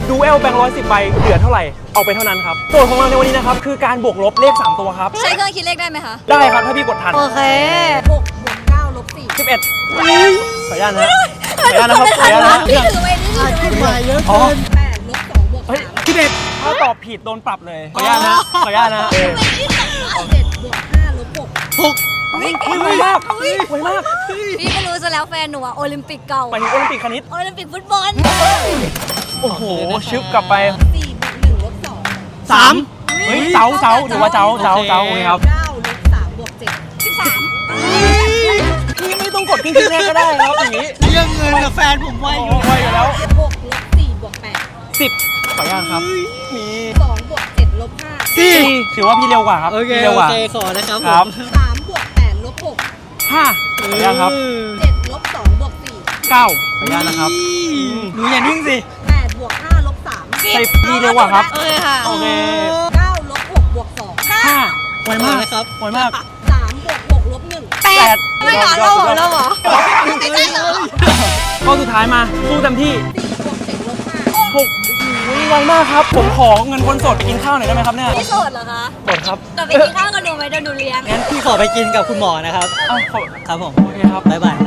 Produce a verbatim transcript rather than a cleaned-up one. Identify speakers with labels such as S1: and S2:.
S1: ดูเอลแบงค์ร้อยสิบใบเหลือเท่าไหร่เอาไปเท่านั้นครับโจทย์ของเราในวันนี้นะครับคือการบวกลบเลขสามตัวครับ
S2: ใช้เครื่องคิดเลขได้ไหมคะ
S1: ได้ครับถ้าพี่กดทัน
S2: โอเคหกบวกเก้าลบสี่
S1: สิบเอ็ดขออนุญาตนะขออนุญาตนะครับขออนุญาตนะ
S2: นี่ถือไว้นี่ถือไว้
S3: มาเยอะ
S1: อ๋อ
S3: เกิน
S2: แปดลบสองบวก
S1: เฮ้ย
S2: สาม
S1: สิบเอ็ดถ้าตอบผิดโดนปรับเลยขออนุญาตนะขออนุญาตนะเออ
S2: เจ็ดบวกห้าลบหก
S3: หก
S2: วิ่ง
S1: เฮ้ยไวมากไวมาก
S2: พี่ก็รู้ซะแล้วแฟนหนูอะโอลิมปิกเก่า
S1: ไปถึงโอลิมปิกคณิต
S2: โอลิมปิกฟุตบอล
S1: โอ้โหชึบกลับไป
S2: สี่บวกหนึ่งลบสอง
S3: สาม
S1: เฮ้ยเจ้าเจ้าหรือว่าเจ้าเจ้าเจ้าโอเคครับ
S2: เก้าลบสามบวกเจ็ดสิบสาม
S1: พี่ไม่ต้องกดครึ่งคิดเลขก็ได้ครับอย่างนี้
S3: เรื่องเงินกับแฟนผมไว
S1: โอ้
S3: อยู่
S1: ไวอยู่แล้ว
S2: หกลบสี่บวกแปด
S1: สิบขออนุญาตครับมี
S2: สองบวกเจ็ดลบห้า
S1: สี่ถือว่าพี่เร็วกว่าครับ
S3: โอเค
S1: พี่เร็ว
S3: โอก
S1: ว่า
S3: เคขอนะครับ
S1: ครับ
S3: ผม
S2: สามบวกแปดลบหก
S1: ห้าขออนุญาตครับ
S2: เจ็ดลบสองบวกสี่
S1: เก้าขออนุญาตนะครับ
S3: หนูอย่านิ่งสิ
S2: แปดบวกห้าลบสาม
S1: ใส่พี่เร็วกว่าครับ
S2: โอเคค่ะ
S1: โอเค
S2: เก้าลบหกบวกสอง
S1: ห้าไวมาก
S3: นะครับ
S1: ไวมาก
S2: สามบวกหกลบหนึ่ง
S1: แปด
S2: ไม่เหรอเราเหรอเราเหรอ
S1: ข้อสุดท้ายมาสู้เต็มที่
S2: สี่บวกเจ็ดลบห้า
S1: หกโอ้โหไวมากครับ ผมขอเงินคนสดไปกินข้าวหน่อยได้ไหมครับเนี่ย
S2: พี่โสดเหรอคะ
S1: กดครับ
S2: กลับไปกินข้าวกับหนูไหมเดี๋ยวหนูเลี้ยง
S3: งั้นพี่ขอไปกินกับคุณหมอนะครับ
S1: อ้าวขอ
S3: ครับผม
S1: โอเคครับ
S3: บ๊ายบาย